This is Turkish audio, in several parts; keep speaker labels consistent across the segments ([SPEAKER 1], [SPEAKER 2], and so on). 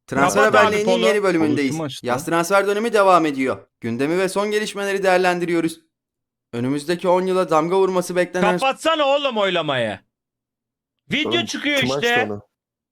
[SPEAKER 1] Transfer
[SPEAKER 2] Kapat abi
[SPEAKER 1] Haberleri'nin
[SPEAKER 2] kolu.
[SPEAKER 1] yeni bölümündeyiz.
[SPEAKER 3] Kolu kim açtı?
[SPEAKER 1] Yaz transfer dönemi devam ediyor. Gündemi ve son gelişmeleri değerlendiriyoruz. Önümüzdeki 10 yıla damga vurması beklenen
[SPEAKER 2] Kapatsana oğlum oylamayı. Video
[SPEAKER 4] Oğlum,
[SPEAKER 2] çıkıyor
[SPEAKER 4] kim açtı
[SPEAKER 2] işte.
[SPEAKER 4] onu?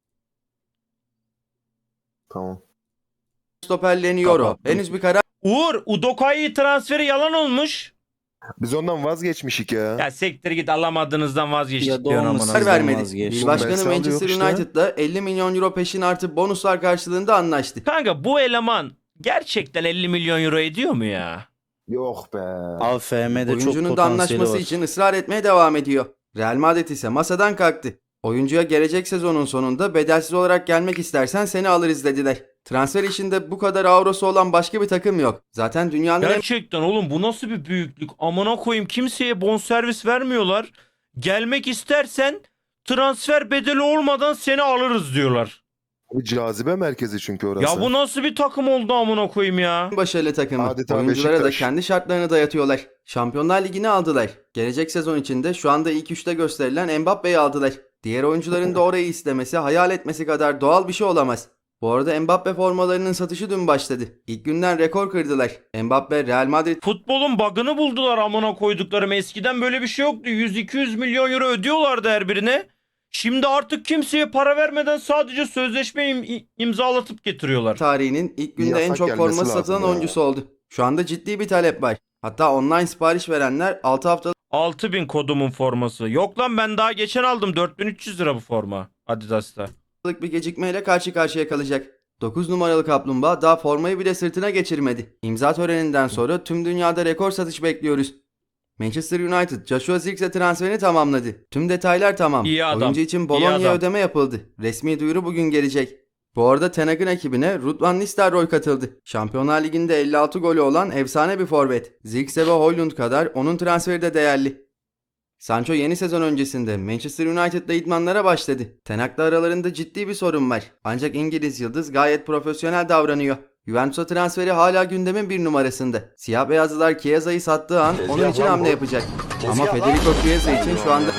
[SPEAKER 4] Tamam.
[SPEAKER 1] stoperlerini Euro.
[SPEAKER 3] Kapattım.
[SPEAKER 1] Henüz bir karar
[SPEAKER 2] Uğur, Udokai transferi yalan olmuş.
[SPEAKER 4] Biz ondan vazgeçmişik ya.
[SPEAKER 2] Ya siktir git, alamadığınızdan vazgeçtik
[SPEAKER 5] Ya da
[SPEAKER 2] diyorsun
[SPEAKER 5] olmasın.
[SPEAKER 2] amına.
[SPEAKER 1] vermedi.
[SPEAKER 5] vazgeçti.
[SPEAKER 1] Bir başkanı
[SPEAKER 4] Oğlum, Belsal'da
[SPEAKER 1] Manchester
[SPEAKER 4] yok işte.
[SPEAKER 1] United'da 50 milyon euro peşin artı bonuslar karşılığında anlaştı.
[SPEAKER 2] Kanka bu eleman gerçekten 50 milyon euro ediyor mu ya?
[SPEAKER 4] Yok be.
[SPEAKER 5] AFM'de çok
[SPEAKER 1] Oyuncunun da
[SPEAKER 5] potansiyeli
[SPEAKER 1] anlaşması
[SPEAKER 5] var.
[SPEAKER 1] için ısrar etmeye devam ediyor. Real Madrid ise masadan kalktı. Oyuncuya gelecek sezonun sonunda bedelsiz olarak gelmek istersen seni alırız dediler. Transfer işinde bu kadar avrosu olan başka bir takım yok. Zaten dünyanın en
[SPEAKER 2] Gerçekten oğlum, bu nasıl bir büyüklük? Amına koyayım, kimseye bonservis vermiyorlar. Gelmek istersen transfer bedeli olmadan seni alırız diyorlar.
[SPEAKER 4] Bir cazibe merkezi çünkü orası.
[SPEAKER 2] Ya bu nasıl bir takım oldu amına koyayım ya?
[SPEAKER 1] başarılı takımı.
[SPEAKER 4] Adeta
[SPEAKER 1] Oyunculara da
[SPEAKER 4] Beşiktaş.
[SPEAKER 1] kendi şartlarını dayatıyorlar. Şampiyonlar Ligi'ni aldılar. Gelecek sezon içinde şu anda ilk üçte gösterilen Mbappe'yi aldılar. Diğer oyuncuların da orayı istemesi, hayal etmesi kadar doğal bir şey olamaz. Bu arada Mbappe formalarının satışı dün başladı. İlk günden rekor kırdılar. Mbappe Real Madrid
[SPEAKER 2] Futbolun bug'ını buldular amına koyduklarım. Eskiden böyle bir şey yoktu. 100-200 milyon euro ödüyorlardı her birine. Şimdi artık kimseye para vermeden sadece sözleşme imzalatıp getiriyorlar.
[SPEAKER 1] tarihinin ilk günde en
[SPEAKER 4] Yasak
[SPEAKER 1] çok
[SPEAKER 4] gelmesi
[SPEAKER 1] forması
[SPEAKER 4] lazım
[SPEAKER 1] satılan
[SPEAKER 4] ya.
[SPEAKER 1] oyuncusu oldu. Şu anda ciddi bir talep var. Hatta online sipariş verenler 6 haftalık
[SPEAKER 2] 6000 kodumun forması. Yok lan, ben daha geçen aldım. 4300 lira bu forma Adidas'ta.
[SPEAKER 1] bir gecikmeyle karşı karşıya kalacak. 9 numaralı kaplumbağa daha formayı bile sırtına geçirmedi. İmza töreninden sonra tüm dünyada rekor satış bekliyoruz. Manchester United Joshua Zirkzee transferini tamamladı. Tüm detaylar tamam.
[SPEAKER 2] İyi adam.
[SPEAKER 1] Oyuncu için
[SPEAKER 2] İyi
[SPEAKER 1] Bologna'ya
[SPEAKER 2] adam.
[SPEAKER 1] ödeme yapıldı. Resmi duyuru bugün gelecek. Bu arada Ten Hag'ın ekibine Ruud van Nistelrooy katıldı. Şampiyonlar Ligi'nde 56 golü olan efsane bir forvet. Zirkzee ve Højlund kadar onun transferi de değerli. Sancho yeni sezon öncesinde Manchester United'da idmanlara başladı. Ten Hag'la aralarında ciddi bir sorun var. Ancak İngiliz yıldız gayet profesyonel davranıyor. Juventus'a transferi hala gündemin bir numarasında. Siyah beyazlılar Chiesa'yı sattığı an onun için hamle yapacak. Ama Federico Chiesa için şu anda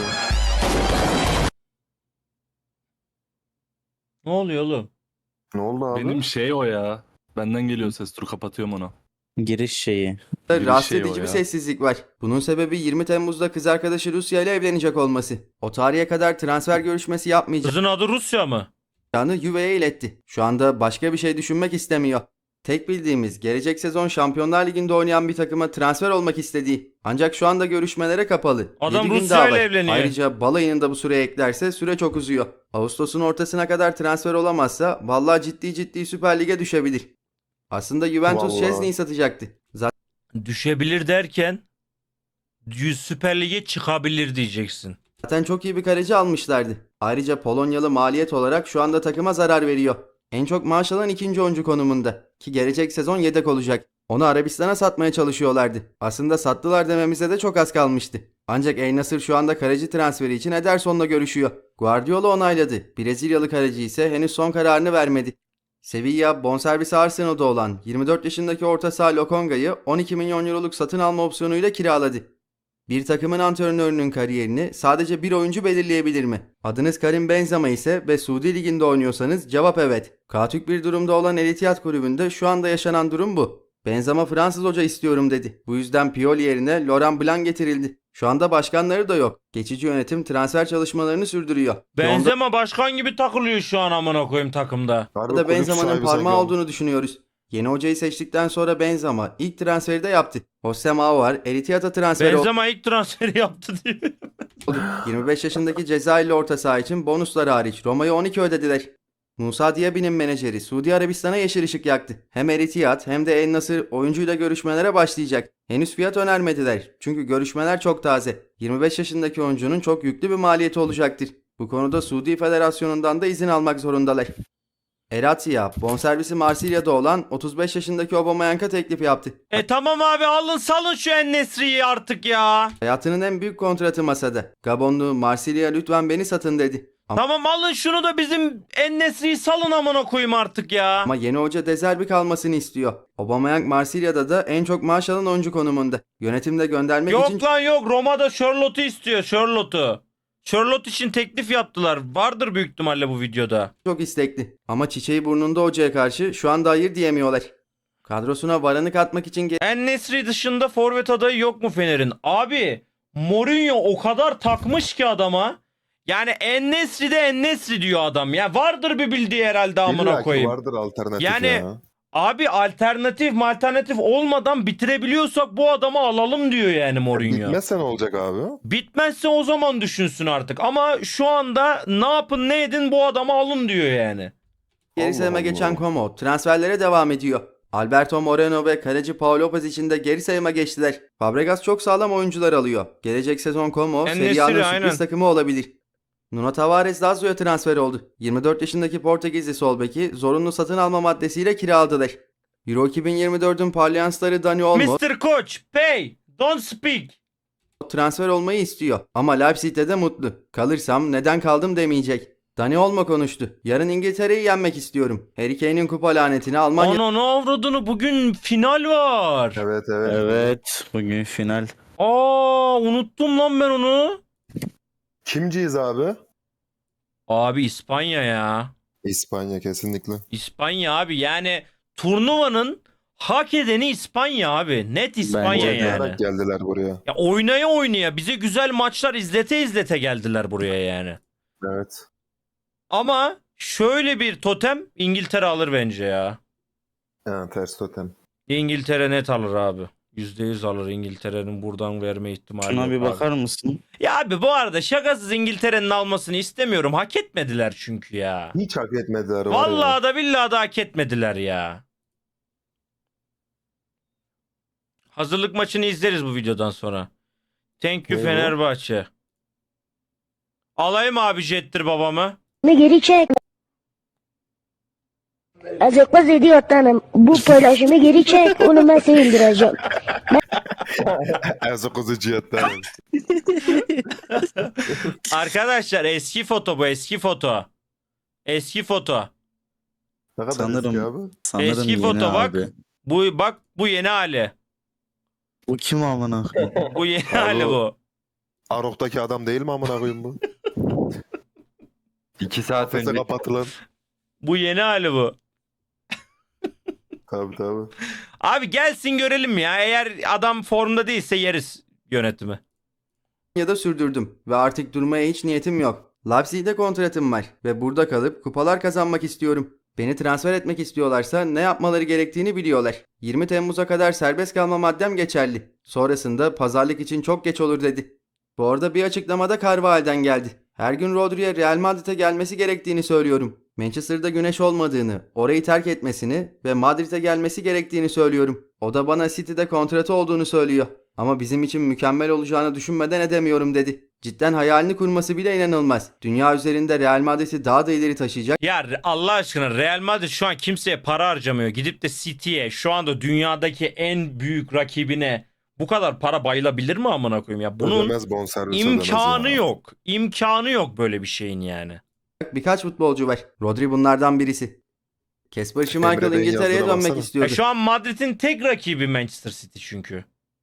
[SPEAKER 2] Ne oluyor oğlum?
[SPEAKER 4] Ne oldu abi?
[SPEAKER 3] Benim şey o ya. Benden geliyor ses. Dur kapatıyorum onu.
[SPEAKER 5] Giriş şeyi.
[SPEAKER 3] Bir
[SPEAKER 1] rahatsız
[SPEAKER 3] şey o
[SPEAKER 1] edici bir
[SPEAKER 3] ya.
[SPEAKER 1] sessizlik var. Bunun sebebi 20 Temmuz'da kız arkadaşı Rusya ile evlenecek olması. O tarihe kadar transfer görüşmesi yapmayacağını
[SPEAKER 2] Kızın adı Rusya mı?
[SPEAKER 1] Juve'ye iletti. Şu anda başka bir şey düşünmek istemiyor. Tek bildiğimiz gelecek sezon Şampiyonlar Ligi'nde oynayan bir takıma transfer olmak istediği. Ancak şu anda görüşmelere kapalı.
[SPEAKER 2] Adam
[SPEAKER 1] 7 gün
[SPEAKER 2] Rusya
[SPEAKER 1] daha
[SPEAKER 2] ile
[SPEAKER 1] var.
[SPEAKER 2] evleniyor.
[SPEAKER 1] Ayrıca balayını da bu süreye eklerse süre çok uzuyor. Ağustos'un ortasına kadar transfer olamazsa vallahi ciddi Süper Lig'e düşebilir. Aslında Juventus
[SPEAKER 4] Vallahi.
[SPEAKER 1] Szczesny'yi satacaktı.
[SPEAKER 2] Düşebilir derken Süper Lig'e çıkabilir diyeceksin.
[SPEAKER 1] Zaten çok iyi bir kaleci almışlardı. Ayrıca Polonyalı maliyet olarak şu anda takıma zarar veriyor. En çok maaş alan ikinci oyuncu konumunda. Ki gelecek sezon yedek olacak. Onu Arabistan'a satmaya çalışıyorlardı. Aslında sattılar dememize de çok az kalmıştı. Ancak El Nassr şu anda kaleci transferi için Ederson'la görüşüyor. Guardiola onayladı. Brezilyalı kaleci ise henüz son kararını vermedi. Sevilla bonservisi Arsenal'da olan 24 yaşındaki orta saha Lokonga'yı 12 milyon euroluk satın alma opsiyonuyla kiraladı. Bir takımın antrenörünün kariyerini sadece bir oyuncu belirleyebilir mi? Adınız Karim Benzema ise ve Suudi Ligi'nde oynuyorsanız cevap evet. Kaotik bir durumda olan El Ittihad kulübünde şu anda yaşanan durum bu. Benzema Fransız hoca istiyorum dedi. Bu yüzden Pioli yerine Laurent Blanc getirildi. Şu anda başkanları da yok. Geçici yönetim transfer çalışmalarını sürdürüyor.
[SPEAKER 2] Benzema başkan gibi takılıyor şu an amına koyayım takımda.
[SPEAKER 4] Harbi
[SPEAKER 1] Onda
[SPEAKER 4] kulüp
[SPEAKER 1] Benzema'nın
[SPEAKER 4] sahibi
[SPEAKER 1] parmağı
[SPEAKER 4] sanki
[SPEAKER 1] olduğunu düşünüyoruz. Yeni hocayı seçtikten sonra Benzema ilk transferi de yaptı. Jose Mauvar El Ittihad'a transferi oldu.
[SPEAKER 2] Benzema ilk transferi yaptı diyor.
[SPEAKER 1] 25 yaşındaki Cezayirli orta saha için bonuslar hariç Roma'ya 12 ödediler. Musa Diaby'nin menajeri Suudi Arabistan'a yeşil ışık yaktı. Hem El Ittihad hem de El Nassr oyuncuyla görüşmelere başlayacak. Henüz fiyat önermediler. Çünkü görüşmeler çok taze. 25 yaşındaki oyuncunun çok yüklü bir maliyeti olacaktır. Bu konuda Suudi Federasyonu'ndan da izin almak zorundalar. Eratia, bonservisi Marsilya'da olan 35 yaşındaki Aubameyang'a teklif yaptı.
[SPEAKER 2] Tamam abi, alın salın şu En-Nesyri'yi artık ya.
[SPEAKER 1] Hayatının en büyük kontratı masada. Gabonlu Marsilya lütfen beni satın dedi.
[SPEAKER 2] Tamam, alın şunu da bizim En-Nesyri'yi salın amına koyayım artık ya.
[SPEAKER 1] Ama yeni hoca De Zerbi kalmasını istiyor. Aubameyang Marsilya'da da en çok maaş alan oyuncu konumunda. Yönetimde göndermek için
[SPEAKER 2] Yok lan yok, Roma'da Charlotte'u istiyor, Charlotte'u. Charlotte için teklif yaptılar. Vardır büyük ihtimalle bu videoda.
[SPEAKER 1] çok istekli. Ama çiçeği burnunda hocaya karşı şu anda hayır diyemiyorlar. Kadrosuna Varan'ı katmak için
[SPEAKER 2] En-Nesyri dışında forvet adayı yok mu Fener'in? Abi Mourinho o kadar takmış ki adama. Yani En-Nesyri de En-Nesyri diyor adam. Ya vardır bir bildiği herhalde amına
[SPEAKER 4] İlla ki
[SPEAKER 2] koyayım.
[SPEAKER 4] vardır alternatif
[SPEAKER 2] Yani
[SPEAKER 4] ya.
[SPEAKER 2] abi alternatif olmadan bitirebiliyorsak bu adamı alalım diyor yani Mourinho.
[SPEAKER 4] Bitmezse ne olacak abi?
[SPEAKER 2] Bitmezse o zaman düşünsün artık. Ama şu anda ne yapın ne edin bu adamı alın diyor yani.
[SPEAKER 1] geri
[SPEAKER 4] Allah
[SPEAKER 1] sayıma
[SPEAKER 4] Allah.
[SPEAKER 1] geçen Como transferlere devam ediyor. Alberto Moreno ve kaleci Paul Lopez için de geri sayıma geçtiler. Fabregas çok sağlam oyuncular alıyor. Gelecek sezon Como
[SPEAKER 2] En-Nesyri,
[SPEAKER 1] Serie A'nın
[SPEAKER 2] aynen.
[SPEAKER 1] sürpriz takımı olabilir. Nuno Tavares Lazio'ya transfer oldu. 24 yaşındaki Portekizli sol beki zorunlu satın alma maddesiyle kiraladılar. Euro 2024'ün parlayan starı Dani Olmo
[SPEAKER 2] Mr. Coach, pay, don't speak.
[SPEAKER 1] transfer olmayı istiyor. Ama Leipzig'te de mutlu. Kalırsam neden kaldım demeyecek. Dani Olmo konuştu. Yarın İngiltere'yi yenmek istiyorum. Harry Kane'in kupa lanetini Almanya
[SPEAKER 2] Ananı avradını bugün final var.
[SPEAKER 4] Evet evet.
[SPEAKER 5] Evet. Bugün final.
[SPEAKER 2] Aa unuttum lan ben onu.
[SPEAKER 4] Kimciyiz abi?
[SPEAKER 2] Abi İspanya ya.
[SPEAKER 4] İspanya kesinlikle.
[SPEAKER 2] İspanya abi yani turnuvanın hak edeni İspanya abi. Net İspanya
[SPEAKER 5] Bence de.
[SPEAKER 2] yani.
[SPEAKER 4] Oynayarak geldiler buraya.
[SPEAKER 2] Ya oynaya bize güzel maçlar izlete geldiler buraya yani.
[SPEAKER 4] Evet.
[SPEAKER 2] Ama şöyle bir totem İngiltere alır bence ya.
[SPEAKER 4] Yani ters totem.
[SPEAKER 2] İngiltere net alır abi. %100 alır İngiltere'nin buradan verme ihtimali
[SPEAKER 5] Şuna
[SPEAKER 2] yok
[SPEAKER 5] bir
[SPEAKER 2] abi.
[SPEAKER 5] bakar mısın?
[SPEAKER 2] Ya abi bu arada şakasız İngiltere'nin almasını istemiyorum. Hak etmediler çünkü ya.
[SPEAKER 4] Hiç hak etmediler. var ya.
[SPEAKER 2] Vallahi da billahi da hak etmediler ya. Hazırlık maçını izleriz bu videodan sonra. Thank you
[SPEAKER 4] Ne bu?
[SPEAKER 2] Fenerbahçe. Alayım abi jettir babamı.
[SPEAKER 6] Geri çek. Azıcık idiotanım. Bu paylaşımı geri çek. Onu ben sildireceğim.
[SPEAKER 4] Ezokuzu cihetten.
[SPEAKER 2] Arkadaşlar eski foto bu eski foto. Eski foto.
[SPEAKER 4] Ne kadar
[SPEAKER 5] Sanırım-
[SPEAKER 4] eski abi?
[SPEAKER 5] Sanırım
[SPEAKER 2] Eski
[SPEAKER 5] yeni
[SPEAKER 2] foto bak.
[SPEAKER 5] abi.
[SPEAKER 2] Bu yeni hali.
[SPEAKER 5] Bu kim amına koyayım?
[SPEAKER 2] Bu yeni
[SPEAKER 4] Abi
[SPEAKER 2] hali
[SPEAKER 4] o-
[SPEAKER 2] bu.
[SPEAKER 4] Arok'taki adam değil mi amına koyayım bu?
[SPEAKER 7] 2 saat
[SPEAKER 4] Kafese
[SPEAKER 7] önce
[SPEAKER 4] kapatılan.
[SPEAKER 2] Bu yeni hali bu.
[SPEAKER 4] Tabii tabii.
[SPEAKER 2] Abi gelsin görelim ya. Eğer adam formda değilse yeriz yönetimi.
[SPEAKER 1] da sürdürdüm ve artık durmaya hiç niyetim yok. Leipzig'te kontratım var ve burada kalıp kupalar kazanmak istiyorum. Beni transfer etmek istiyorlarsa ne yapmaları gerektiğini biliyorlar. 20 Temmuz'a kadar serbest kalma maddem geçerli. Sonrasında pazarlık için çok geç olur dedi. Bu arada bir açıklamada Carvajal'den geldi. Her gün Rodri'ye Real Madrid'e gelmesi gerektiğini söylüyorum. Manchester'da güneş olmadığını, orayı terk etmesini ve Madrid'e gelmesi gerektiğini söylüyorum. O da bana City'de kontratı olduğunu söylüyor. Ama bizim için mükemmel olacağını düşünmeden edemiyorum dedi. Cidden hayalini kurması bile inanılmaz. Dünya üzerinde Real Madrid'i daha da ileri taşıyacak
[SPEAKER 2] Ya Allah aşkına Real Madrid şu an kimseye para harcamıyor. Gidip de City'ye şu anda dünyadaki en büyük rakibine bu kadar para bayılabilir mi amına koyayım ya? Bunun
[SPEAKER 4] Ödemez bonservis ödemez
[SPEAKER 2] imkanı
[SPEAKER 4] ya.
[SPEAKER 2] yok. İmkanı yok böyle bir şeyin yani.
[SPEAKER 1] birkaç futbolcu var. Rodri bunlardan birisi. Kasper Schmeichel
[SPEAKER 4] Emre Bey'in
[SPEAKER 1] İngiltere'ye
[SPEAKER 4] yazdığına
[SPEAKER 1] dönmek
[SPEAKER 4] baksana.
[SPEAKER 1] istiyordu.
[SPEAKER 2] Şu an Madrid'in tek rakibi Manchester City çünkü.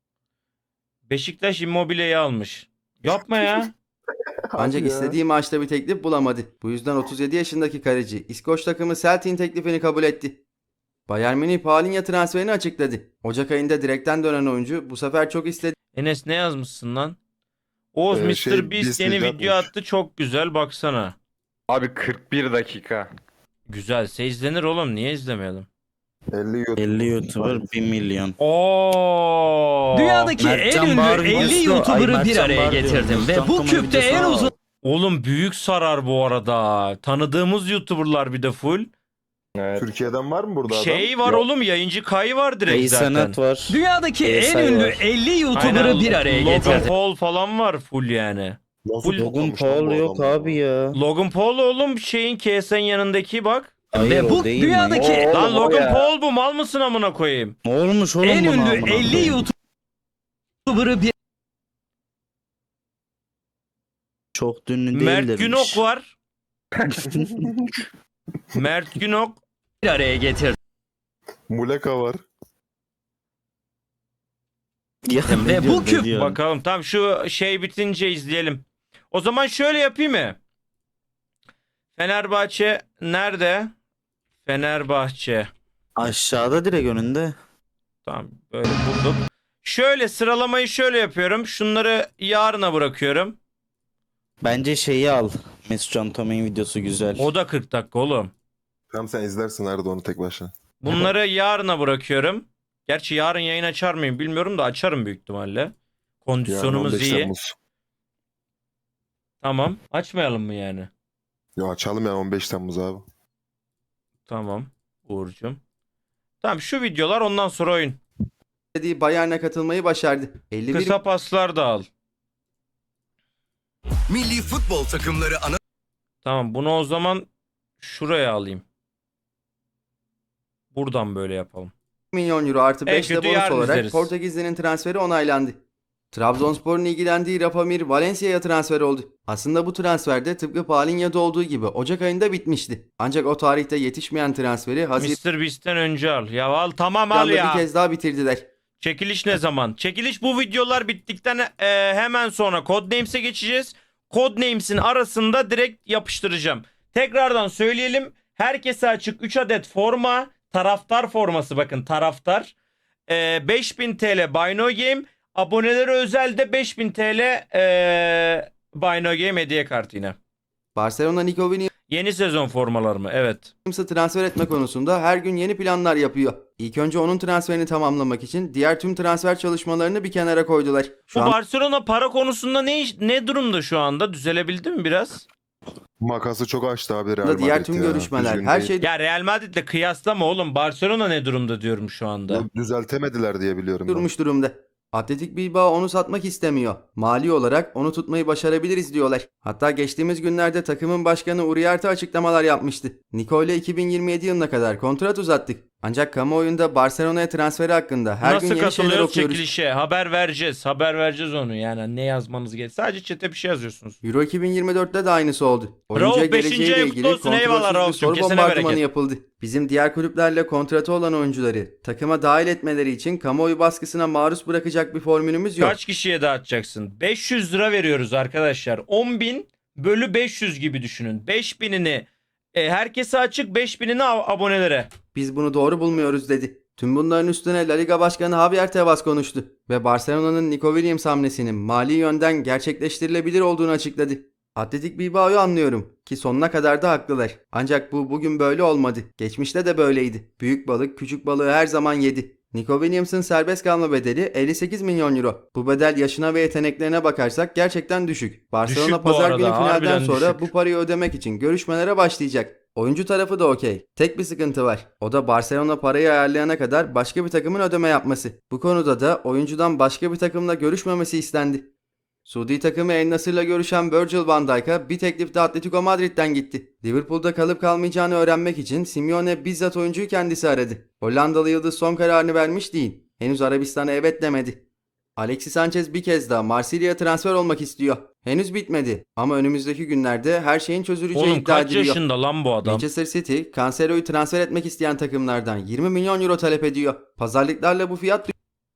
[SPEAKER 2] Beşiktaş Immobile'yi almış. Yapma ya.
[SPEAKER 1] Ancak
[SPEAKER 4] ya.
[SPEAKER 1] istediği maçta bir teklif bulamadı. Bu yüzden 37 yaşındaki kaleci İskoç takımı Celtic'in teklifini kabul etti. Bayern Münih Paulinho transferini açıkladı. Ocak ayında direkten dönen oyuncu bu sefer çok istediği
[SPEAKER 2] Enes ne yazmışsın lan? Oğuz Mr.
[SPEAKER 4] Şey,
[SPEAKER 2] Beast
[SPEAKER 4] Beast
[SPEAKER 2] yeni
[SPEAKER 4] Beast
[SPEAKER 2] video
[SPEAKER 4] atmış.
[SPEAKER 2] attı çok güzel baksana.
[SPEAKER 7] abi 41 dakika.
[SPEAKER 2] Güzelse izlenir oğlum niye izlemeyelim?
[SPEAKER 4] 50 YouTube.
[SPEAKER 5] 50 YouTuber 1 milyon.
[SPEAKER 2] Oo.
[SPEAKER 8] Dünyadaki
[SPEAKER 5] Mertcan
[SPEAKER 8] en ünlü
[SPEAKER 5] Bahar
[SPEAKER 8] 50
[SPEAKER 5] Mustafa-
[SPEAKER 8] YouTuber'ı
[SPEAKER 5] Ay,
[SPEAKER 8] bir
[SPEAKER 5] Mertcan
[SPEAKER 8] araya
[SPEAKER 5] Bahar
[SPEAKER 8] getirdim
[SPEAKER 5] diyorum.
[SPEAKER 8] ve bu
[SPEAKER 5] Mustafa
[SPEAKER 8] küpte
[SPEAKER 5] videosu
[SPEAKER 8] en
[SPEAKER 5] var.
[SPEAKER 8] uzun
[SPEAKER 2] Oğlum büyük sarar bu arada. Tanıdığımız YouTuber'lar bir de full.
[SPEAKER 7] Evet.
[SPEAKER 4] Türkiye'den var mı burada adam?
[SPEAKER 2] Şey var oğlum yayıncı Kay var direkt
[SPEAKER 5] Ey
[SPEAKER 2] zaten.
[SPEAKER 5] Sanat var.
[SPEAKER 8] dünyadaki en
[SPEAKER 5] Say
[SPEAKER 8] ünlü
[SPEAKER 5] var.
[SPEAKER 8] 50 YouTuber'ı
[SPEAKER 2] Aynen,
[SPEAKER 8] bir araya
[SPEAKER 2] Logan
[SPEAKER 8] getirdim.
[SPEAKER 2] Paul falan var full yani.
[SPEAKER 4] Nasıl
[SPEAKER 2] Full-
[SPEAKER 5] Logan
[SPEAKER 4] toplamış lan
[SPEAKER 5] Paul
[SPEAKER 4] bu
[SPEAKER 5] yok
[SPEAKER 4] adam
[SPEAKER 5] abi ya.
[SPEAKER 2] Logan Paul oğlum şeyin KS'nin yanındaki bak.
[SPEAKER 5] Hayır,
[SPEAKER 8] Ve
[SPEAKER 5] o
[SPEAKER 8] bu
[SPEAKER 5] değil
[SPEAKER 8] dünyadaki
[SPEAKER 5] mi?
[SPEAKER 2] Lan
[SPEAKER 7] o
[SPEAKER 2] Logan
[SPEAKER 7] ya.
[SPEAKER 2] Paul bu mal mısın amına koyayım?
[SPEAKER 5] Ne olmuş oğlum
[SPEAKER 8] en
[SPEAKER 5] buna
[SPEAKER 8] ünlü
[SPEAKER 5] amına
[SPEAKER 8] 50
[SPEAKER 5] koyayım?
[SPEAKER 8] YouTuber'ı bir
[SPEAKER 5] Çok ünlü
[SPEAKER 2] Mert
[SPEAKER 5] değildirmiş.
[SPEAKER 2] Günok var. Mert Günok.
[SPEAKER 8] araya getirdim.
[SPEAKER 4] Muleka var.
[SPEAKER 5] Ya, ne
[SPEAKER 8] Ve bu
[SPEAKER 5] diyor, ne
[SPEAKER 8] küp-
[SPEAKER 5] diyor?
[SPEAKER 2] Bakalım tam şu şey bitince izleyelim. O zaman şöyle yapayım mı? Fenerbahçe nerede? Fenerbahçe.
[SPEAKER 5] Aşağıda direkt önünde.
[SPEAKER 2] Tamam, böyle bulduk. Şöyle sıralamayı şöyle yapıyorum. Şunları yarına bırakıyorum.
[SPEAKER 5] Bence şeyi al. Mesut Can Tomey'in videosu güzel.
[SPEAKER 2] O da 40 dakika oğlum.
[SPEAKER 4] Tamam sen izlersin Arda onu tek başına.
[SPEAKER 2] Bunları yarına bırakıyorum. Gerçi yarın yayın açar mıyım bilmiyorum da açarım büyük ihtimalle.
[SPEAKER 4] Yarın
[SPEAKER 2] Kondisyonumuz
[SPEAKER 4] 15
[SPEAKER 2] iyi.
[SPEAKER 4] Temmuz.
[SPEAKER 2] Tamam. Açmayalım mı yani?
[SPEAKER 4] Yo açalım yani 15 Temmuz abi.
[SPEAKER 2] Tamam Uğur'cum. Tamam, şu videolar, ondan sonra oyun.
[SPEAKER 1] dediği Bayern'e katılmayı başardı. 51
[SPEAKER 2] Kısa paslar da al.
[SPEAKER 9] Milli futbol takımları ana
[SPEAKER 2] Tamam, bunu o zaman şuraya alayım. Buradan böyle yapalım.
[SPEAKER 1] milyon euro artı
[SPEAKER 2] En
[SPEAKER 1] 5 de
[SPEAKER 2] kötü
[SPEAKER 1] bonus
[SPEAKER 2] yarın
[SPEAKER 1] olarak
[SPEAKER 2] izleriz.
[SPEAKER 1] Portekizli'nin transferi onaylandı. Trabzonspor'un ilgilendiği Rapamir Valencia'ya transfer oldu. Aslında bu transferde tıpkı Paulinho'da olduğu gibi Ocak ayında bitmişti. Ancak o tarihte yetişmeyen transferi
[SPEAKER 2] Mr. Beast'ten önce al. Ya al, tamam al
[SPEAKER 1] Haziran'da
[SPEAKER 2] ya.
[SPEAKER 1] bir kez daha bitirdiler.
[SPEAKER 2] Çekiliş ne zaman? Çekiliş bu videolar bittikten hemen sonra Codenames'e geçeceğiz. Codenames'in arasında direkt yapıştıracağım. Tekrardan söyleyelim. Herkese açık 3 adet forma. Taraftar forması, bakın taraftar. 5000 TL Buy No Game. Abonelere özel de 5000 TL Buy No Game hediye kartı yine.
[SPEAKER 1] Barcelona Nico
[SPEAKER 2] Yeni sezon formalar mı? Evet.
[SPEAKER 1] Williams'ı transfer etme konusunda her gün yeni planlar yapıyor. İlk önce onun transferini tamamlamak için diğer tüm transfer çalışmalarını bir kenara koydular. Şu
[SPEAKER 2] Bu
[SPEAKER 1] an
[SPEAKER 2] Barcelona para konusunda ne durumda şu anda? Düzelebildi mi biraz?
[SPEAKER 4] Makası çok açtı abi Real
[SPEAKER 1] da diğer
[SPEAKER 4] Madrid
[SPEAKER 1] tüm
[SPEAKER 4] ya.
[SPEAKER 1] görüşmeler
[SPEAKER 4] Düzgün
[SPEAKER 1] her
[SPEAKER 4] değil.
[SPEAKER 1] şey
[SPEAKER 2] Ya Real Madrid'le kıyaslama oğlum. Barcelona ne durumda diyorum şu anda.
[SPEAKER 4] Düzeltemediler diye biliyorum ben.
[SPEAKER 1] durmuş durumda. Atletik Bilbao onu satmak istemiyor. Mali olarak onu tutmayı başarabiliriz diyorlar. Hatta geçtiğimiz günlerde takımın başkanı Uriarte açıklamalar yapmıştı. Nico ile 2027 yılına kadar kontrat uzattık. Ancak kamuoyunda Barcelona'ya transferi hakkında her gün
[SPEAKER 2] Nasıl
[SPEAKER 1] yeni şeyler
[SPEAKER 2] katılıyoruz
[SPEAKER 1] okuyoruz.
[SPEAKER 2] çekilişe? Haber vereceğiz. Haber vereceğiz onu. Yani ne yazmanız gerekiyor. Sadece chat'e bir şey yazıyorsunuz.
[SPEAKER 1] Euro 2024'te de aynısı oldu. Oyuncuya
[SPEAKER 2] Rauf, beşinci
[SPEAKER 1] geleceğiyle
[SPEAKER 2] ayın
[SPEAKER 1] ilgili
[SPEAKER 2] kutlu olsun. Eyvallah
[SPEAKER 1] kontrolsüz bir
[SPEAKER 2] Rauf'cum.
[SPEAKER 1] soru
[SPEAKER 2] Kesene
[SPEAKER 1] bombardımanı
[SPEAKER 2] bereket.
[SPEAKER 1] yapıldı. Bizim diğer kulüplerle kontratı olan oyuncuları takıma dahil etmeleri için kamuoyu baskısına maruz bırakacak bir formülümüz yok.
[SPEAKER 2] Kaç kişiye dağıtacaksın? 500 lira veriyoruz arkadaşlar. 10.000 bölü 500 gibi düşünün. 5.000'ini herkese açık, 5.000'ini abonelere.
[SPEAKER 1] Biz bunu doğru bulmuyoruz dedi. Tüm bunların üstüne La Liga Başkanı Javier Tebas konuştu ve Barcelona'nın Nico Williams hamlesinin mali yönden gerçekleştirilebilir olduğunu açıkladı. Atletik Bilbao'yu anlıyorum ki sonuna kadar da haklılar. Ancak bu bugün böyle olmadı. Geçmişte de böyleydi. Büyük balık küçük balığı her zaman yedi. Nico Williams'ın serbest kalma bedeli 58 milyon euro. Bu bedel yaşına ve yeteneklerine bakarsak gerçekten düşük. Barcelona
[SPEAKER 2] Düşük bu
[SPEAKER 1] pazar
[SPEAKER 2] arada,
[SPEAKER 1] günü finalden
[SPEAKER 2] harbiden
[SPEAKER 1] sonra
[SPEAKER 2] düşük.
[SPEAKER 1] bu parayı ödemek için görüşmelere başlayacak. Oyuncu tarafı da okey. Tek bir sıkıntı var. O da Barcelona parayı ayarlayana kadar başka bir takımın ödeme yapması. Bu konuda da oyuncudan başka bir takımla görüşmemesi istendi. Suudi takımı El Nasır'la görüşen Virgil van Dijk'a bir teklif de Atletico Madrid'den gitti. Liverpool'da kalıp kalmayacağını öğrenmek için Simeone bizzat oyuncuyu kendisi aradı. Hollandalı yıldız son kararını vermiş değil. Henüz Arabistan'a evet demedi. Alexis Sanchez bir kez daha Marsilya'ya transfer olmak istiyor. Henüz bitmedi ama önümüzdeki günlerde her şeyin çözüleceği
[SPEAKER 2] Oğlum
[SPEAKER 1] iddia
[SPEAKER 2] kaç
[SPEAKER 1] ediliyor.
[SPEAKER 2] yaşında lan bu adam?
[SPEAKER 1] Manchester City, Cancelo'yu transfer etmek isteyen takımlardan 20 milyon euro talep ediyor. Pazarlıklarla bu fiyat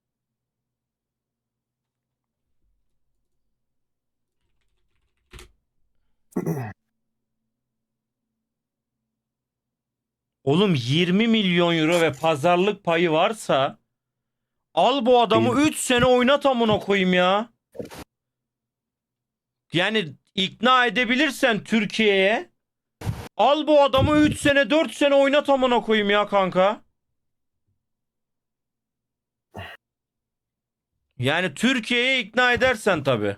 [SPEAKER 2] Oğlum 20 milyon euro ve pazarlık payı varsa al bu adamı 3 sene oynat amına koyayım ya. Yani ikna edebilirsen Türkiye'ye al bu adamı 3 sene 4 sene oynat amına koyayım ya kanka. Yani Türkiye'ye ikna edersen tabii.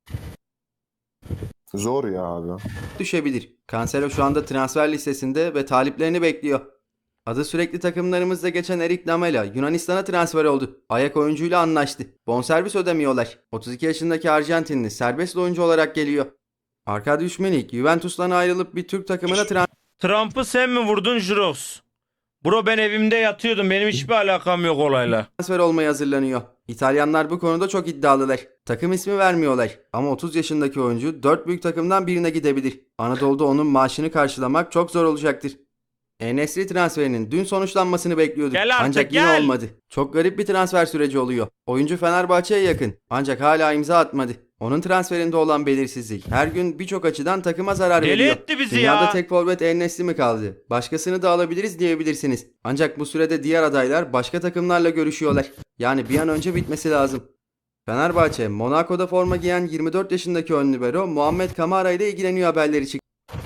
[SPEAKER 4] Zor ya abi.
[SPEAKER 1] düşebilir. Cancelo şu anda transfer listesinde ve taliplerini bekliyor. Adı sürekli takımlarımızda geçen Eric Lamela Yunanistan'a transfer oldu. Ayak oyuncuyla anlaştı. Bonservis ödemiyorlar. 32 yaşındaki Arjantinli serbest oyuncu olarak geliyor. Arkadiusz Milik Juventus'tan ayrılıp bir Türk takımına
[SPEAKER 2] Trump'ı sen mi vurdun Jirox? Bro ben evimde yatıyordum. Benim hiçbir alakam yok olayla.
[SPEAKER 1] transfer olmaya hazırlanıyor. İtalyanlar bu konuda çok iddialılar. Takım ismi vermiyorlar. Ama 30 yaşındaki oyuncu 4 büyük takımdan birine gidebilir. Anadolu'da onun maaşını karşılamak çok zor olacaktır. En-Nesyri transferinin dün sonuçlanmasını bekliyorduk.
[SPEAKER 2] Gel artık,
[SPEAKER 1] Ancak yine
[SPEAKER 2] gel.
[SPEAKER 1] olmadı. Çok garip bir transfer süreci oluyor. Oyuncu Fenerbahçe'ye yakın. Ancak hala imza atmadı. Onun transferinde olan belirsizlik her gün birçok açıdan takıma zarar
[SPEAKER 2] Deli
[SPEAKER 1] veriyor.
[SPEAKER 2] etti bizi
[SPEAKER 1] Dünyada
[SPEAKER 2] ya.
[SPEAKER 1] tek forvet En-Nesyri mi kaldı? Başkasını da alabiliriz diyebilirsiniz. Ancak bu sürede diğer adaylar başka takımlarla görüşüyorlar. Yani bir an önce bitmesi lazım. Fenerbahçe, Monaco'da forma giyen 24 yaşındaki ön libero Muhammed Kamara ile ilgileniyor haberleri çıktı.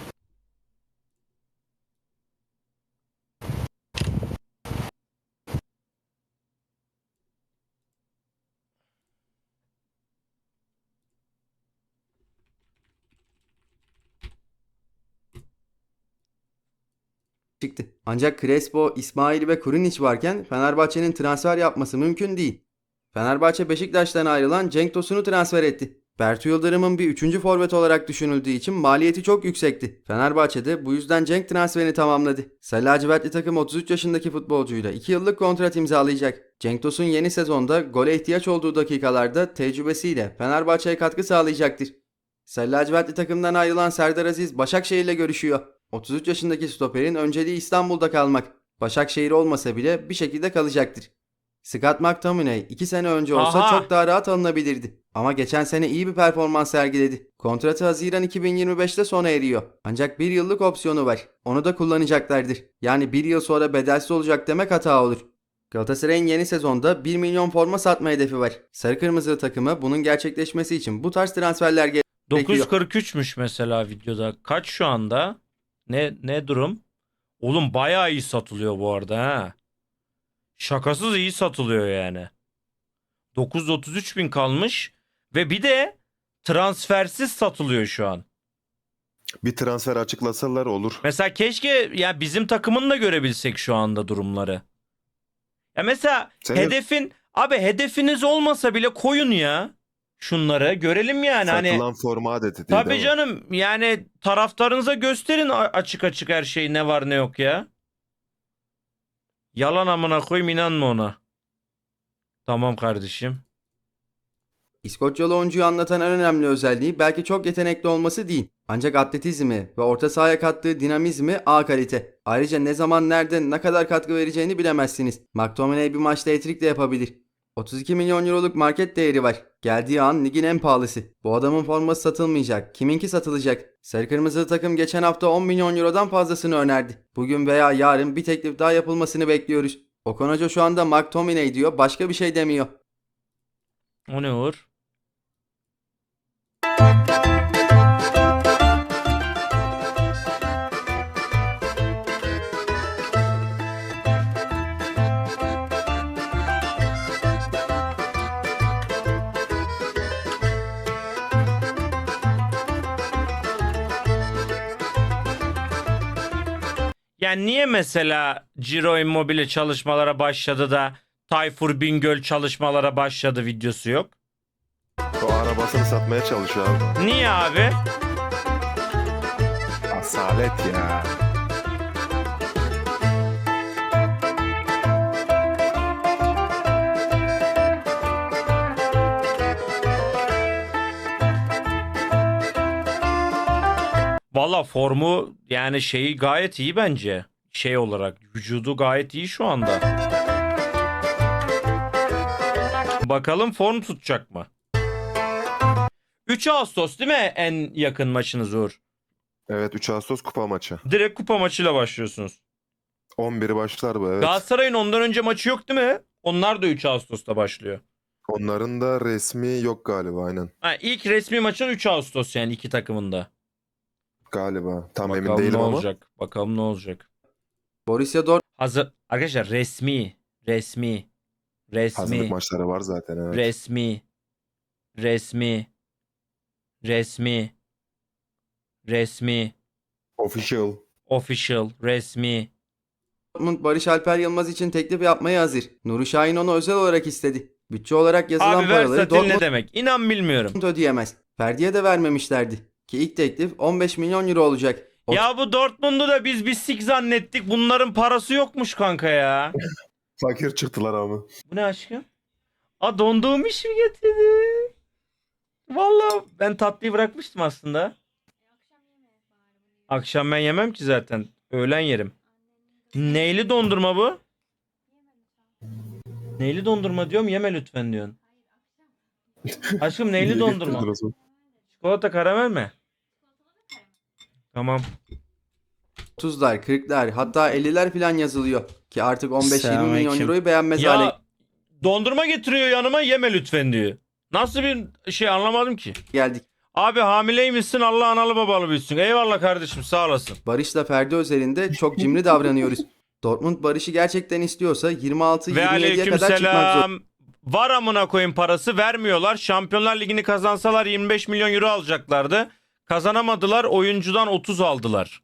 [SPEAKER 1] Ancak Crespo, İsmail ve Kurunic varken Fenerbahçe'nin transfer yapması mümkün değil. Fenerbahçe Beşiktaş'tan ayrılan Cenk Tosun'u transfer etti. Bertu Yıldırım'ın bir 3. forvet olarak düşünüldüğü için maliyeti çok yüksekti. Fenerbahçe de bu yüzden Cenk transferini tamamladı. Sarı lacivertli takım 33 yaşındaki futbolcuyla 2 yıllık kontrat imzalayacak. Cenk Tosun yeni sezonda gole ihtiyaç olduğu dakikalarda tecrübesiyle Fenerbahçe'ye katkı sağlayacaktır. Sarı lacivertli takımdan ayrılan Serdar Aziz Başakşehir'le görüşüyor. 33 yaşındaki stoperin önceliği İstanbul'da kalmak. Başakşehir olmasa bile bir şekilde kalacaktır. Scott McTominay 2 sene önce olsa
[SPEAKER 2] Aha.
[SPEAKER 1] çok daha rahat alınabilirdi. Ama geçen sene iyi bir performans sergiledi. Kontratı Haziran 2025'te sona eriyor. Ancak 1 yıllık opsiyonu var. Onu da kullanacaklardır. Yani 1 yıl sonra bedelsiz olacak demek hata olur. Galatasaray'ın yeni sezonda 1 milyon forma satma hedefi var. Sarı kırmızı takımı bunun gerçekleşmesi için bu tarz transferler gerekiyor.
[SPEAKER 2] 943'müş mesela videoda. Kaç şu anda? Ne durum? Oğlum bayağı iyi satılıyor bu arada ha. Şakasız iyi satılıyor yani. 933 bin kalmış ve bir de transfersiz satılıyor şu an.
[SPEAKER 4] Bir transfer açıklasalar olur.
[SPEAKER 2] Mesela keşke ya bizim takımın da görebilsek şu anda durumları. Ya mesela hedefiniz olmasa bile koyun ya. Şunları görelim yani hani.
[SPEAKER 4] Satılan forma adeti değil,
[SPEAKER 2] Tabii
[SPEAKER 4] değil mi?
[SPEAKER 2] canım yani taraftarınıza gösterin açık açık her şey ne var ne yok ya. Yalan amına koyayım inanma ona. Tamam kardeşim.
[SPEAKER 1] İskoçyalı oyuncuyu anlatan en önemli özelliği belki çok yetenekli olması değil. Ancak atletizmi ve orta sahaya kattığı dinamizmi A kalite. Ayrıca ne zaman nerede ne kadar katkı vereceğini bilemezsiniz. McTominay bir maçta hat-trick de yapabilir. 32 milyon euroluk market değeri var. Geldiği an ligin en pahalısı. Bu adamın forması satılmayacak. Kiminki satılacak? Sarı kırmızılı takım geçen hafta 10 milyon eurodan fazlasını önerdi. Bugün veya yarın bir teklif daha yapılmasını bekliyoruz. Okan Hoca şu anda McTominay diyor, başka bir şey demiyor.
[SPEAKER 2] O ne Uğur? Yani niye mesela Ciro Immobile çalışmalara başladı da Tayfur Bingöl çalışmalara başladı videosu yok?
[SPEAKER 4] O arabasını satmaya çalışıyor abi.
[SPEAKER 2] Niye abi?
[SPEAKER 4] Asalet ya.
[SPEAKER 2] Valla formu yani şeyi gayet iyi bence. Şey olarak vücudu gayet iyi şu anda. Bakalım form tutacak mı? 3 Ağustos değil mi en yakın maçınız Uğur?
[SPEAKER 4] Evet, 3 Ağustos kupa maçı.
[SPEAKER 2] Direkt kupa maçıyla başlıyorsunuz.
[SPEAKER 4] 11'i başlar bu, evet.
[SPEAKER 2] Galatasaray'ın ondan önce maçı yok değil mi? Onlar da 3 Ağustos'ta başlıyor.
[SPEAKER 4] Onların da resmi yok galiba, aynen.
[SPEAKER 2] Ha, ilk resmi maçın 3 Ağustos yani iki takımında.
[SPEAKER 4] Galiba. Tam emin
[SPEAKER 2] Bakalım
[SPEAKER 4] değilim
[SPEAKER 2] ne
[SPEAKER 4] ama.
[SPEAKER 2] olacak. Bakalım ne olacak.
[SPEAKER 1] Borussia Dortmund
[SPEAKER 2] Hazır. Arkadaşlar resmi.
[SPEAKER 4] Hazırlık maçları var zaten, evet.
[SPEAKER 2] Resmi.
[SPEAKER 4] Official.
[SPEAKER 2] Resmi.
[SPEAKER 1] Barış Alper Yılmaz için teklif yapmaya hazır. Nuri Şahin onu özel olarak istedi. Bütçe olarak yazılan
[SPEAKER 2] Abi
[SPEAKER 1] paraları
[SPEAKER 2] versatil ne
[SPEAKER 1] Dortmund
[SPEAKER 2] demek? İnan bilmiyorum.
[SPEAKER 1] ödeyemez. Ferdi'ye de vermemişlerdi. Ki ilk teklif 15 milyon euro olacak.
[SPEAKER 2] Ya bu Dortmund'u da biz bir sik zannettik. Bunların parası yokmuş kanka ya.
[SPEAKER 4] Fakir çıktılar abi.
[SPEAKER 2] Bu ne aşkım? Aa donduğum iş mi getirdi? Vallahi ben tatlıyı bırakmıştım aslında. Akşam ben yemem ki zaten. Öğlen yerim. Neyli dondurma bu? Neyli dondurma diyorum, yeme lütfen diyorsun. Aşkım neyli dondurma? Çikolata karamel mi? Tamam.
[SPEAKER 1] 30'lar, 40'lar hatta 50'ler falan yazılıyor. Ki artık 15-20 milyon
[SPEAKER 5] Selamünaleyküm.
[SPEAKER 1] euroyu beğenmez hale
[SPEAKER 2] Ya dondurma getiriyor yanıma, yeme lütfen diyor. Nasıl bir şey anlamadım ki.
[SPEAKER 1] geldik.
[SPEAKER 2] Abi hamileymişsin, Allah analı babalı büyütsün. Eyvallah kardeşim, sağ olasın.
[SPEAKER 1] Barış'la Ferdi özelinde çok cimri davranıyoruz. Dortmund Barış'ı gerçekten istiyorsa
[SPEAKER 2] Ve
[SPEAKER 1] 26-27'ye kadar çıkmak zor.
[SPEAKER 2] aleykümselam. Var amına koyayım, parası vermiyorlar. Şampiyonlar Ligi'ni kazansalar 25 milyon euro alacaklardı. Kazanamadılar, oyuncudan 30 aldılar.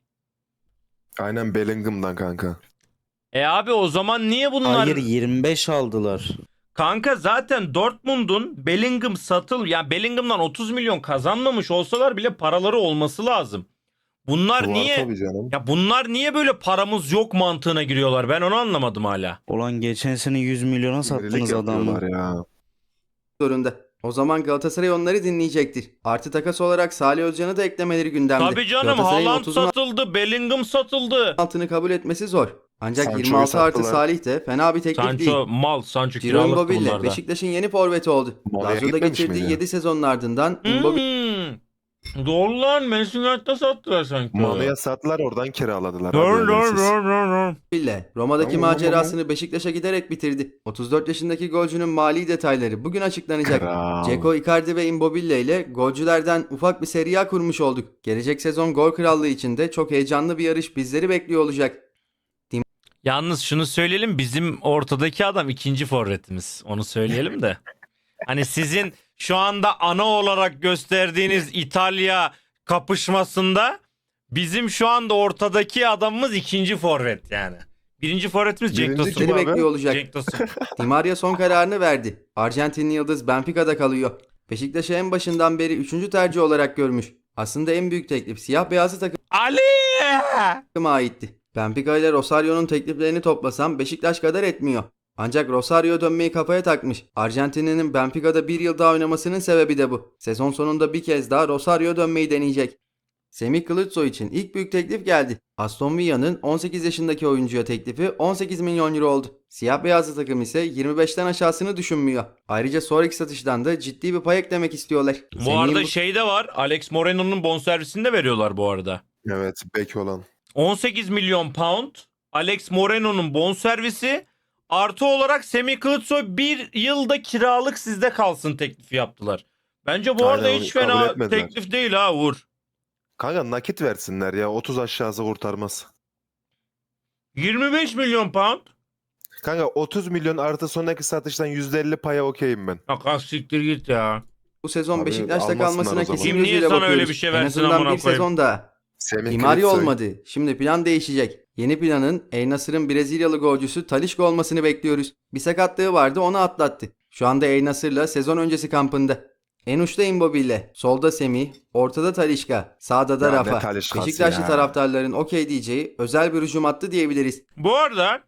[SPEAKER 4] Aynen Bellingham'dan kanka.
[SPEAKER 2] Abi o zaman niye bunlar...
[SPEAKER 5] Hayır 25 aldılar.
[SPEAKER 2] Kanka zaten Dortmund'un Bellingham yani Bellingham'dan 30 milyon kazanmamış olsalar bile paraları olması lazım. Bunlar
[SPEAKER 4] Var
[SPEAKER 2] niye...
[SPEAKER 4] tabii canım.
[SPEAKER 2] Ya bunlar niye böyle paramız yok mantığına giriyorlar? Ben onu anlamadım hala.
[SPEAKER 5] Olan geçen sene 100 milyona
[SPEAKER 4] Sinirlik
[SPEAKER 5] sattınız adamı.
[SPEAKER 4] yapıyorlar ya.
[SPEAKER 1] Zorunda. O zaman Galatasaray onları dinleyecektir. Artı takas olarak Salih Özcan'ı da eklemeleri gündemde.
[SPEAKER 2] Tabii canım,
[SPEAKER 1] Galatasaray'ın
[SPEAKER 2] Haaland
[SPEAKER 1] 30'un
[SPEAKER 2] satıldı, Bellingham satıldı.
[SPEAKER 1] altını kabul etmesi zor. Ancak
[SPEAKER 4] Sancho'yu
[SPEAKER 1] 26 artı
[SPEAKER 4] sattılar.
[SPEAKER 1] Salih de fena bir teklif değil.
[SPEAKER 2] Sancho mal, Sancho
[SPEAKER 1] Ciro
[SPEAKER 2] kiralık
[SPEAKER 1] Immobile
[SPEAKER 2] bunlarda.
[SPEAKER 1] Beşiktaş'ın yeni forveti oldu.
[SPEAKER 4] Molde'ye
[SPEAKER 1] Lazio'da
[SPEAKER 4] gitmemiş
[SPEAKER 1] geçirdiği
[SPEAKER 4] miydi?
[SPEAKER 1] 7 sezonun ardından Immobile
[SPEAKER 2] Doğru lan, Manchester United'da sattılar sanki.
[SPEAKER 4] Manu'ya sattılar, oradan kiraladılar.
[SPEAKER 2] Doğru
[SPEAKER 4] Abi,
[SPEAKER 2] doğru
[SPEAKER 4] önemsiz.
[SPEAKER 2] doğru.
[SPEAKER 1] Roma'daki
[SPEAKER 4] Tamam,
[SPEAKER 1] macerasını Beşiktaş'a giderek bitirdi. 34 yaşındaki golcünün mali detayları bugün açıklanacak.
[SPEAKER 4] Kral.
[SPEAKER 1] Dzeko, Icardi ve Immobile ile golcülerden ufak bir seri A kurmuş olduk. Gelecek sezon gol krallığı için de çok heyecanlı bir yarış bizleri bekliyor olacak.
[SPEAKER 2] Yalnız şunu söyleyelim, bizim ortadaki adam ikinci forvetimiz. Onu söyleyelim de. Hani sizin şu anda ana olarak gösterdiğiniz İtalya kapışmasında bizim şu anda ortadaki adamımız ikinci forvet yani. Birinci forvetimiz Cenk
[SPEAKER 4] Birinci
[SPEAKER 2] Tosun.
[SPEAKER 4] kim
[SPEAKER 1] Bizleri
[SPEAKER 4] abi?
[SPEAKER 1] bekliyor olacak.
[SPEAKER 2] Cenk Tosun.
[SPEAKER 1] Di Maria son kararını verdi. Arjantinli yıldız Benfica'da kalıyor. Beşiktaş'ı en başından beri 3. tercih olarak görmüş. Aslında en büyük teklif siyah beyazlı
[SPEAKER 2] Ali!
[SPEAKER 1] takıma aitti. Benfica ile Rosario'nun tekliflerini toplasam Beşiktaş kadar etmiyor. Ancak Rosario dönmeyi kafaya takmış. Arjantinli'nin Benfica'da bir yıl daha oynamasının sebebi de bu. Sezon sonunda bir kez daha Rosario dönmeyi deneyecek. Semih Kılıçsoy için ilk büyük teklif geldi. Aston Villa'nın 18 yaşındaki oyuncuya teklifi 18 milyon euro oldu. Siyah beyazlı takım ise 25'ten aşağısını düşünmüyor. Ayrıca sonraki satıştan da ciddi bir pay eklemek istiyorlar.
[SPEAKER 2] Bu arada şey de var. Alex Moreno'nun bonservisini de veriyorlar bu arada.
[SPEAKER 4] Evet, bek olan.
[SPEAKER 2] 18 milyon pound Alex Moreno'nun bonservisi, artı olarak Semih Kılıçsoy bir yılda kiralık sizde kalsın teklifi yaptılar. Bence bu arada
[SPEAKER 4] Aynen,
[SPEAKER 2] hiç
[SPEAKER 4] kabul
[SPEAKER 2] fena
[SPEAKER 4] etmediler.
[SPEAKER 2] teklif değil ha Uğur.
[SPEAKER 4] Kanka nakit versinler ya, 30 aşağısı kurtarmaz.
[SPEAKER 2] 25 milyon pound.
[SPEAKER 4] Kanka 30 milyon artı sonraki satıştan %50 paya okeyim ben.
[SPEAKER 2] Bak siktir git ya.
[SPEAKER 1] Bu sezon
[SPEAKER 4] Abi,
[SPEAKER 1] Beşiktaş'ta
[SPEAKER 4] almasınlar
[SPEAKER 1] kalmasına
[SPEAKER 4] o zaman.
[SPEAKER 1] kesin
[SPEAKER 2] Kim niye
[SPEAKER 1] gözüyle
[SPEAKER 2] sana öyle
[SPEAKER 1] bakıyoruz.
[SPEAKER 2] bir şey
[SPEAKER 1] En
[SPEAKER 2] versin
[SPEAKER 1] azından
[SPEAKER 2] amına
[SPEAKER 1] bir
[SPEAKER 2] koyayım?
[SPEAKER 1] sezon daha.
[SPEAKER 4] Semih
[SPEAKER 1] Di Maria
[SPEAKER 4] Kılıçsoy.
[SPEAKER 1] olmadı. Şimdi plan değişecek. Yeni planın El Nasır'ın Brezilyalı golcüsü Talisca olmasını bekliyoruz. Bir sakatlığı vardı, onu atlattı. Şu anda El Nasır'la sezon öncesi kampında. En uçta Immobile, solda Semih, ortada Talisca, sağda da
[SPEAKER 4] Ya ne
[SPEAKER 1] Rafa.
[SPEAKER 4] Talisca'sı
[SPEAKER 1] Beşiktaşlı
[SPEAKER 4] ya.
[SPEAKER 1] taraftarların okey diyeceği özel bir hücum hattı diyebiliriz.
[SPEAKER 2] Bu arada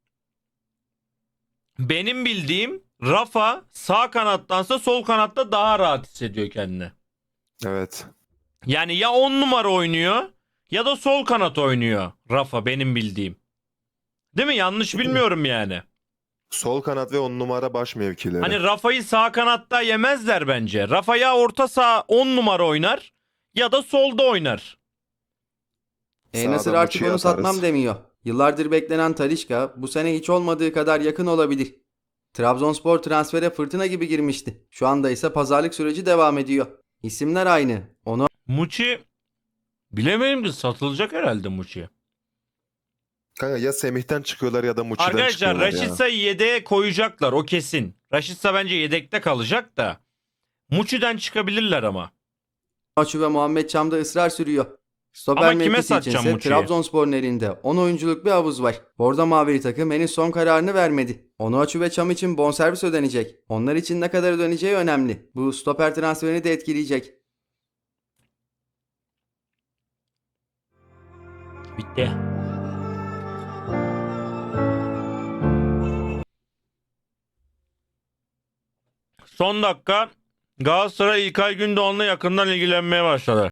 [SPEAKER 2] benim bildiğim Rafa sağ kanattansa sol kanatta daha rahat hissediyor kendini.
[SPEAKER 4] Evet.
[SPEAKER 2] Yani ya 10 numara oynuyor ya da sol kanat oynuyor Rafa, benim bildiğim. Değil mi? Yanlış bilmiyorum yani.
[SPEAKER 4] Sol kanat ve 10 numara baş mevkileri.
[SPEAKER 2] Hani Rafa'yı sağ kanatta yemezler bence. Rafa ya orta saha 10 numara oynar ya da solda oynar.
[SPEAKER 1] El Nasır
[SPEAKER 4] Sağdan
[SPEAKER 1] artık
[SPEAKER 4] uçuya
[SPEAKER 1] onu
[SPEAKER 4] atarız.
[SPEAKER 1] satmam demiyor. Yıllardır beklenen Talisca bu sene hiç olmadığı kadar yakın olabilir. Trabzonspor transfere fırtına gibi girmişti. Şu anda ise pazarlık süreci devam ediyor. İsimler aynı. Onu
[SPEAKER 2] Muçi bilemedim ki, satılacak herhalde Muçi.
[SPEAKER 4] Kanka ya Semih'ten çıkıyorlar ya da Muçi'den
[SPEAKER 2] Arkadaşlar
[SPEAKER 4] çıkıyorlar ya.
[SPEAKER 2] Raşitsa'yı yedeğe koyacaklar, o kesin. Raşitsa bence yedekte kalacak da. Muçi'den çıkabilirler ama.
[SPEAKER 1] Açu ve Muhammed Çam'da ısrar sürüyor. Stoper
[SPEAKER 2] Ama kime
[SPEAKER 1] mevkisi
[SPEAKER 2] satacağım
[SPEAKER 1] içinse
[SPEAKER 2] Muçi'yi?
[SPEAKER 1] Trabzonspor'un elinde 10 oyunculuk bir havuz var. Bordo Mavili takım henüz son kararını vermedi. Onuachu ve Çam için bonservis ödenecek. Onlar için ne kadar ödeneceği önemli. Bu stoper transferini de etkileyecek.
[SPEAKER 2] Bitti. Son dakika Galatasaray İlkay Gündoğan'la yakından ilgilenmeye başladı.